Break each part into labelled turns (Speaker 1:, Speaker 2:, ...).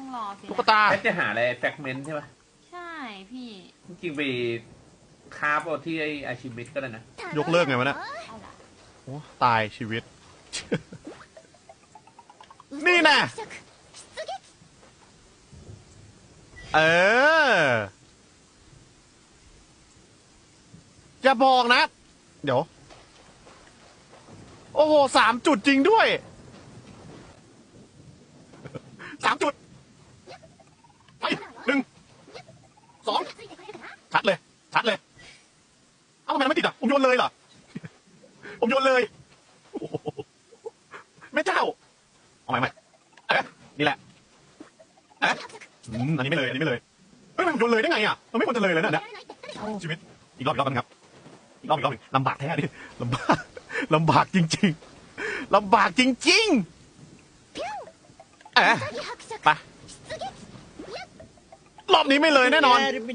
Speaker 1: รอสิ
Speaker 2: ตุ๊กตา
Speaker 3: แพทจะหาอะไรแฟกเมนต์ใช่ปะ
Speaker 1: ใช่พี่
Speaker 3: จริงๆไปคาบเอาที่ไออาชิมิตก็ได้นะ
Speaker 2: ยกเลิกไงวะเนี่ย
Speaker 1: อะไร
Speaker 2: โอ้ตายชีวิต นี่น่ะ เอออย่าบอกนะ เดี๋ยว โอ้โห3 จุดจริงด้วย3 จุดไป1 2ชัดเลย ชัดเลย เอ้าทำไมมันไม่ติดอ่ะ ผมโยนเลยเหรอ ผมโยนเลยโอ้โหแม่เจ้าเอาใหม่นี่แหละอันนี้ไม่เลย อันนี้ไม่เลย เฮ้ยมันโยนเลยได้ไงอ่ะ มันไม่ควรจะเลยเลยนะเนี่ยชีวิต อีกรอบกันครับ อีกรอบลำบากแท้ดิลำบากจริงๆลำบากจริงๆไปรอบนี้ไม่เลยแน่นอน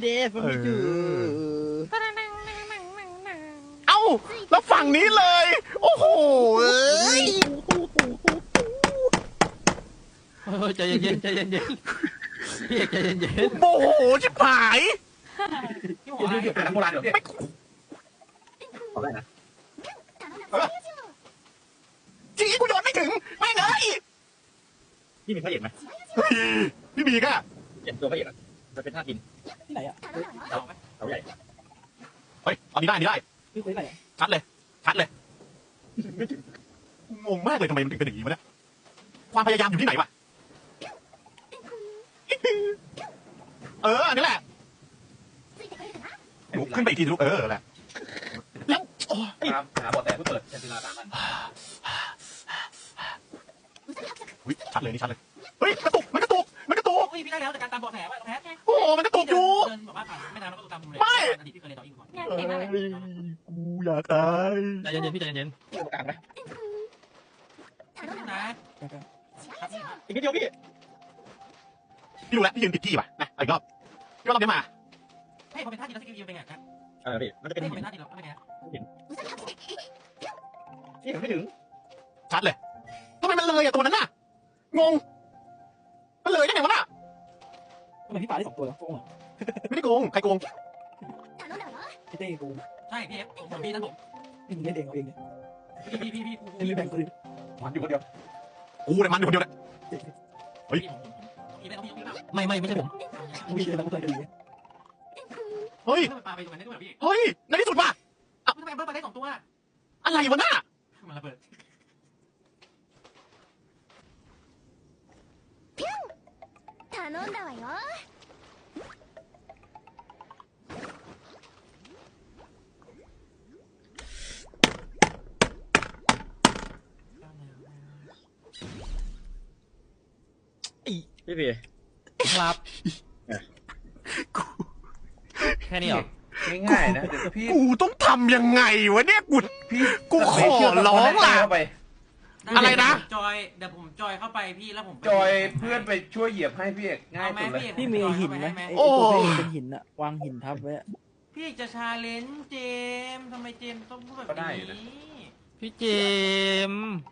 Speaker 2: เอ้าแล้วฝั่งนี้เลย โอ้โห
Speaker 4: ใจเย็นใจเย็นพี่เอกใจเย็น
Speaker 2: โมโหชิบหาย
Speaker 3: ที่หัวอะไรหาโบราณเดี๋ยวไม่ขอได้นะ
Speaker 2: จริงกูโยนไม่ถึงไม่เลย
Speaker 5: พี่มีพระเอกไหม
Speaker 2: พี่บีก็
Speaker 5: เห็นตัวพระเอกอ่ะจะเป็นท่ากิน
Speaker 4: ที่ไหนอ่ะ
Speaker 5: เขาใหญ่
Speaker 2: เฮ้ยอันนี้ได้
Speaker 4: พี่ไหน
Speaker 2: ชัดเลยงงมากเลยทำไมมันถึงเป็นอย่างนี้วะเนี่ยความพยายามอยู่ที่ไหนวะอันนี้แหละลุกขึ้นไปอีกทีลุกแหละแล้ว
Speaker 3: หาบอดแต่เพื่อเปิดเซนตินา3 อัน
Speaker 2: ชัดเลยนี่ชัดเลยเฮ้ยกระตุกมันกระตุก
Speaker 4: พี่ได้แล้วจากการตามเบาะแสว่าแพ้
Speaker 2: โอ้มันกระตุกอยู่
Speaker 4: เดินแบบว่าผ่านไม่นานแล้วก็ตามผมเลยอดีตพี่เคยเรียนต่ออีกก่อน
Speaker 1: เนี่ยเก่งมากเลย
Speaker 2: กูอยากตาย
Speaker 4: ใจเย็นพี่ใจเย็น
Speaker 5: ตรงกลางไหม
Speaker 4: นะ
Speaker 5: อีกนิดเดียวพี่
Speaker 2: พี่รู้แล้วพี่ยืนผิดที่ป่ะนะอีกรอบพี่ว่าเราเนี้ยมา
Speaker 4: ให้ผมเป็นท่าทีแล้วสกิลยิงเป็นไงครับ
Speaker 5: พี่มันจะเป็น
Speaker 4: ให้ผมเป็นท่าทีแล้วเป็นไง
Speaker 5: พี่ไม่ถึง
Speaker 2: ชัดเลยทำไมมันเลยตัวนั้นน่ะงงมันเลยได้ไงวะน่ะ
Speaker 4: ทำไมพี่ป่าได้2 ตัวแล้วโกง
Speaker 2: ไม่ได้โกงใครโกง
Speaker 4: พี่เต้โกงใช่พี่เอฟผมพี่นั่นผมพี่เล่นเองเอาเองเนี่ยพี่แบ่งคนอื่น
Speaker 3: มันอยู่คนเดียว
Speaker 2: กูเนี่ยมันอยู่คนเดียวเลย
Speaker 4: ไม่ใช่ผมพี่เลยต้องใจดี
Speaker 2: เฮ้ย
Speaker 4: ปาไปตรงนั้นได้ด้วยพี่
Speaker 2: เฮ้ยในที่สุดว่ะ
Speaker 4: ทำไมเบิร์ดไปได้2 ตัว
Speaker 2: อะไรวะน่ะ
Speaker 4: มันระเบิด
Speaker 6: 頼んだわよ
Speaker 5: พี่พี่
Speaker 4: ครับแค่นี้เหรอ
Speaker 3: ง่ายๆนะเดี๋ยวพี่
Speaker 2: กูต้องทำยังไงวะเนี่ยกูขอร้องล่ะ
Speaker 3: เข้าไป
Speaker 2: อะไรนะ
Speaker 4: จอยเดี๋ยวผมจอยเข้าไปพี่แล้วผม
Speaker 3: จอยเพื่อนไปช่วยเหยียบให้พี่เอกง่ายสุดเลย
Speaker 7: พี่มีหินไหมไอ้
Speaker 2: โอ้
Speaker 7: ตัวเพลงเป็นหินอะวางหินทับไว้อะ
Speaker 4: พี่จะชาเลนจ์เจมทำไมเจมต้องพูดแบบนี้พี่เจม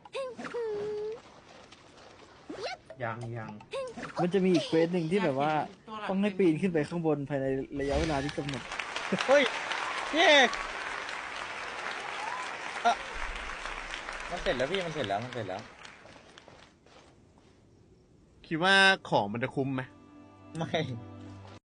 Speaker 3: ยัง
Speaker 7: มันจะมีอีกเควสหนึ่งที่แบบว่าต้องให้ปีนขึ้นไปข้างบนภายในระยะเวลาที่กำหนด
Speaker 5: เฮ้ยพี่เอกมันเสร็จแล้วพี่มันเสร็จแล้ว
Speaker 2: คิดว่าของมันจะคุ้มไหม
Speaker 5: ไม่